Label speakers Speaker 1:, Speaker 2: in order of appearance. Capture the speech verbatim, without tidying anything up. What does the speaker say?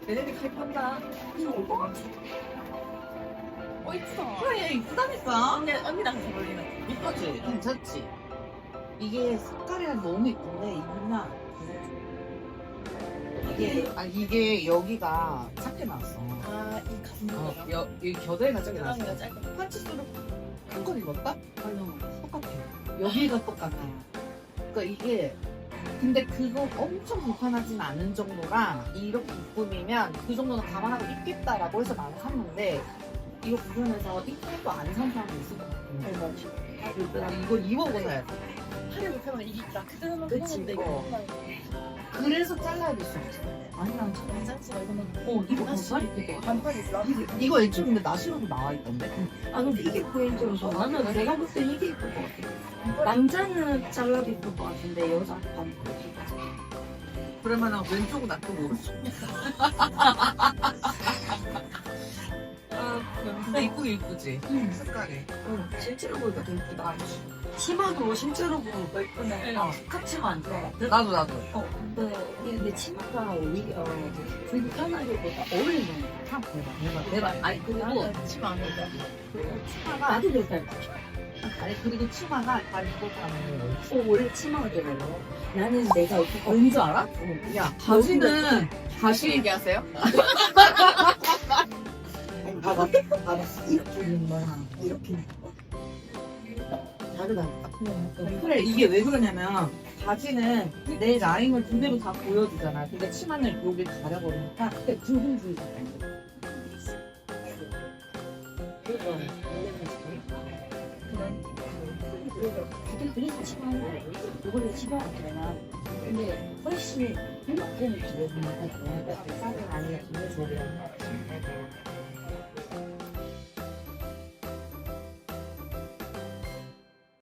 Speaker 1: 얘네들 가입한다.
Speaker 2: 어 이쁘다.
Speaker 3: 그래 이쁘다니까.
Speaker 2: 언니 언니랑 잘 어울리는.
Speaker 3: 이쁘지? 괜찮지? 이게 색깔이랑 너무 이쁜데 이쁘나? 이게 아 이게 여기가 작게 나왔어.
Speaker 2: 아이 가슴.
Speaker 3: 어, 여, 이 겨드랑이가 작게 나왔어.
Speaker 2: 겨드랑이가 짧고.
Speaker 3: 판치수로 큰 걸 입었다? 아니요 똑같아. 여기가 똑같아. 그러니까 이게 근데 그거 엄청 불편하진 않은 정도라 이렇게 입으면 그 정도는 감안하고 입겠다라고 해서 나는 샀는데 이거 불편해서 입고도 안 산 사람도 있을 것 같은데
Speaker 2: 어 맞지.
Speaker 3: 그래서 난 이걸 입어보고 사야 돼.
Speaker 2: 팔이 불편하면 이게 나 그대로만
Speaker 3: 그치,
Speaker 2: 편한데
Speaker 3: 어.
Speaker 2: 이거
Speaker 3: 그래서 잘라야 될 수 있어. 아니 난 참.
Speaker 2: 괜찮지가 이거는.
Speaker 3: 어 이거
Speaker 2: 다시
Speaker 3: 반팔 입고
Speaker 2: 반팔 있어.
Speaker 3: 이거 애초에 근데 나시로도 나와 있던데.
Speaker 1: 아 근데 이게 포인트여서 나는 내가 볼 때 이게 예쁠 것 같아. 남자는 잘라도 예쁠 것 같은데 여자 반.
Speaker 3: 그러면은 왼쪽은 낫고 오른쪽. 아 근데 이쁘게 이쁘지.
Speaker 1: 응.
Speaker 3: 색깔이.
Speaker 1: 응. 실제로 보니까 더 예쁘다. 치마도 실제로 보면 더 예쁘네.
Speaker 3: 어.
Speaker 1: 스카치만 안 들어가.
Speaker 3: 나도 나도.
Speaker 1: 어, 근데 이게 내 치마가 오히려 불편하기보다 어울리는 거야. 참 대박, 대박, 대박. 아니 그리고
Speaker 2: 나는 치마 안 입어.
Speaker 1: 그리고 치마가 나도 그렇다.
Speaker 3: 아니 그리고 치마가 다 입고가는
Speaker 1: 어, 원래 치마가 되려고. 나는 내가 이렇게 왠줄 알아? 어.
Speaker 3: 야 바지는 다시 얘기하세요.
Speaker 1: 아니, 봐봐, 봐봐. 이렇게 입는 거랑 이렇게 입는 거. 다르다니까.
Speaker 3: 그래 이게 왜 그러냐면 바지는 내 라인을 그대로 다 보여주잖아. 근데 치마는 여기 가려버리니까 그때 둥둥둥.
Speaker 1: 그래서 원래는 지금 그래서 다들 그래서 치마를 이걸로 치마가 되나 근데 훨씬 행복한 기분이 나요.